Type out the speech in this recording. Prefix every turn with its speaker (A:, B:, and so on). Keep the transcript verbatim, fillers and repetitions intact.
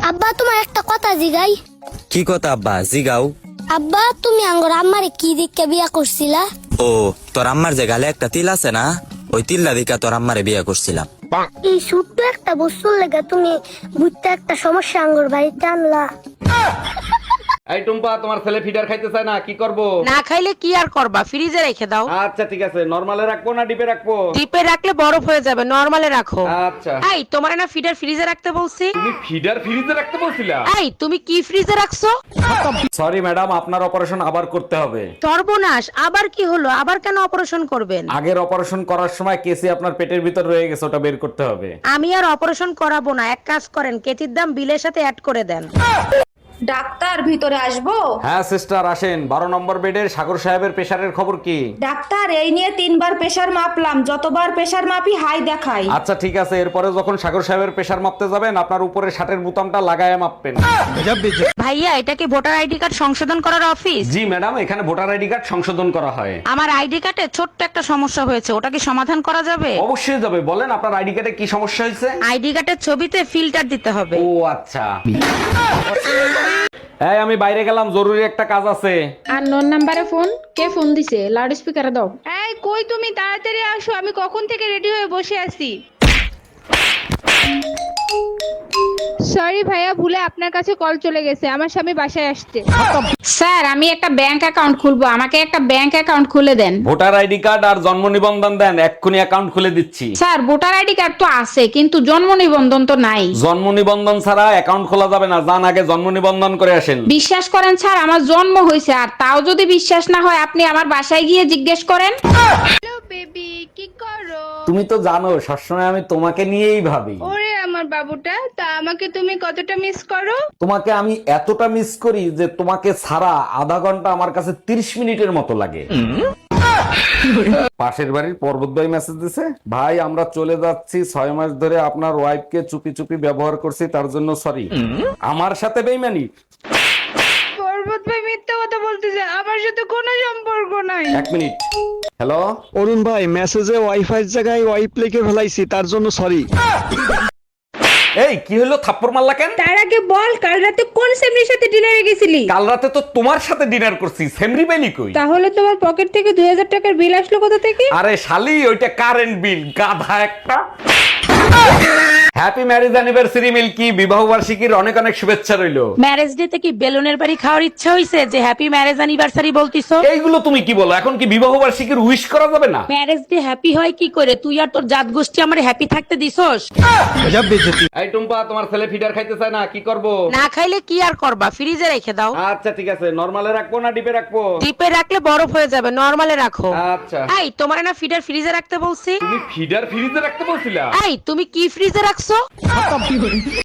A: আব্বা তোমার একটা কথা জিগাই।
B: কি কথা আব্বা? জিগাও।
A: আব্বা তুমি আঙ্গর আম্মারে কি দিককে বিয়া করছিলা?
B: ও তোর আম্মার যে গালে একটা তিল আছে না, ওই তিল্লা দিকা তোর আম্মারে বিয়ে করছিলাম।
A: এই ছোট্ট একটা বস্তুর লেগে তুমি বুঝতে একটা সমস্যা আঙ্গর বাড়িতে আনলা।
C: এই টুম্পা, তোমার ছেলে ফিডার খাইতে চায় না, কি করব?
D: না খাইলে কি আর করবা, ফ্রিজে রেখে দাও।
C: আচ্ছা ঠিক আছে, নরমালে রাখবো না ডিপে রাখবো?
D: ডিপে রাখলে বরফ হয়ে যাবে, নরমালে রাখো।
C: আচ্ছা।
D: এই তোমার না ফিডার ফ্রিজে রাখতে বলছি?
C: তুমি ফিডার ফ্রিজে রাখতে বলছিলা?
D: এই তুমি কি ফ্রিজে রাখছো?
C: সরি ম্যাডাম, আপনার অপারেশন আবার করতে হবে।
D: সর্বনাশ, আবার কি হলো? আবার কেন অপারেশন করবেন?
C: আগের অপারেশন করার সময় কেসি আপনার পেটের ভিতর রয়ে গেছে, ওটা বের করতে হবে।
D: আমি আর অপারেশন করাবো না, এক কাজ করেন, কেচির দাম বিলের সাথে অ্যাড করে দেন।
E: ডাক্তার ভিতরে আসবো?
C: হ্যাঁ সিস্টার আসেন। বারো নম্বর বেডের সাগর সাহেবের প্রেশারের খবর কি?
E: ডাক্তার এই নিয়ে তিনবার প্রেসার মাপলাম, যতবার প্রেসার মাপি হাই দেখাই।
C: আচ্ছা ঠিক আছে, এরপরে যখন সাগর সাহেবের প্রেশার মাপতে যাবেন, আপনার উপরে শার্টের বোতামটা লাগায় মাপবেন।
D: ভাইয়া, এটা কি ভোটার আইডি কার্ড সংশোধন করার অফিস?
C: জি ম্যাডাম, এখানে ভোটার আইডি কার্ড সংশোধন করা হয়।
D: আমার আইডি কার্ডে ছোট্ট একটা সমস্যা হয়েছে, ওটা কি সমাধান করা যাবে?
C: অবশ্যই যাবে, বলেন আপনার আইডি কার্ডে কি সমস্যা হয়েছে?
D: আইডি কার্ডের ছবিতে ফিল্টার দিতে হবে।
C: ও আচ্ছা। এই আমি বাইরে গেলাম, জরুরি একটা কাজ আছে।
F: আর নন নাম্বারে ফোন, কে ফোন দিছে? লাউড স্পিকারে দাও।
G: এই কই তুমি, তাড়াতাড়ি আসো, আমি কখন থেকে রেডি হয়ে বসে আছি। সরি ভাইয়া, ভুলে আপনার কাছে কল চলে গেছে, আমার স্বামী বাসায় আসছে।
F: স্যার, আমি একটা ব্যাংক অ্যাকাউন্ট খুলবো, আমাকে একটা ব্যাংক অ্যাকাউন্ট খুলে দেন।
C: ভোটার আইডি কার্ড আর জন্ম নিবন্ধন দেন, এক্ষুনি অ্যাকাউন্ট খুলে দিচ্ছি।
F: স্যার, ভোটার আইডি কার্ড তো আছে, কিন্তু জন্ম নিবন্ধন তো নাই।
C: জন্ম নিবন্ধন ছাড়া অ্যাকাউন্ট খোলা যাবে না, যান আগে জন্ম নিবন্ধন করে আসেন।
F: বিশ্বাস করেন স্যার, আমার জন্ম হয়েছে, আর তাও যদি বিশ্বাস না হয় আপনি আমার বাসায় গিয়ে জিজ্ঞেস করেন।
G: হ্যালো বেবি, কি করো?
C: তুমি তো জানো সবসময় আমি তোমাকে নিয়েই ভাবি।
G: ওরে আমার বাবুটা, তা আমাকে তুমি কতটা মিস করো?
C: তোমাকে আমি এতটা মিস করি যে তোমাকে ছাড়া আধা ঘন্টা আমার কাছে তিরিশ মিনিটের মতো লাগে। পাশের বাড়ির পর্বত ভাই মেসেজ দিছে, ভাই আমরা চলে যাচ্ছি, ছয় মাস ধরে আপনার ওয়াইফকে চুপি চুপি ব্যবহার করছি, তার জন্য সরি। আমার সাথে বেইমানি?
G: পর্বত ভাই মিথ্যা কথা বলতেছে, আমার সাথে কোনো সম্পর্ক নাই।
C: এক মিনিট। হ্যালো
H: অরুণ ভাই, মেসেজে ওয়াইফাই জায়গায় ওয়াইপ লিখে ফেলাইছি, তার জন্য সরি।
C: এই কি হলো, থাপ্পড় মারলা কেন?
G: তার আগে বল, কাল রাতে কোন সেমরির সাথে ডিনারে গেছিলি?
C: কাল রাতে তো তোমার সাথে ডিনার করছি, সেমরি বেলি কই?
G: তাহলে তোমার পকেট থেকে দুই হাজার টাকার বিল আসলো কোথা থেকে?
C: আরে শালি, ওইটা কারেন্ট বিল, গাধা একটা। হ্যাপি ম্যারেজ অ্যানিভার্সারি মিল্কি, বিবাহ বার্ষিকীর অনেক অনেক শুভেচ্ছা রইলো।
D: ম্যারেজ ডে তে কি বেলুনের বাড়ি খাওয়ার ইচ্ছা হইছে যে হ্যাপি ম্যারেজ অ্যানিভার্সারি বলতিছো?
C: এইগুলো তুমি কি বলো? এখন কি বিবাহ বার্ষিকীর উইশ করা যাবে না?
D: ম্যারেজ ডে হ্যাপি হয় কি করে? তুই আর তোর জাত গোষ্ঠী আমার হ্যাপি থাকতে দিছস?
C: এই টুম্পা, তোমার ছেলে ফিডার খাইতে চায় না, কি করব?
D: না খাইলে কি আর করবা, ফ্রিজে রেখে দাও।
C: আচ্ছা ঠিক আছে, নরমালে রাখবো না ডিপে রাখবো?
D: ডিপে রাখলে বরফ হয়ে যাবে, নরমালে রাখো।
C: আচ্ছা।
D: এই তোমার না ফিডার ফ্রিজে রাখতে বলছি?
C: তুমি ফিডার ফ্রিজে রাখতে বলছিলা?
D: এই তুমি কি ফ্রিজে রাখছো?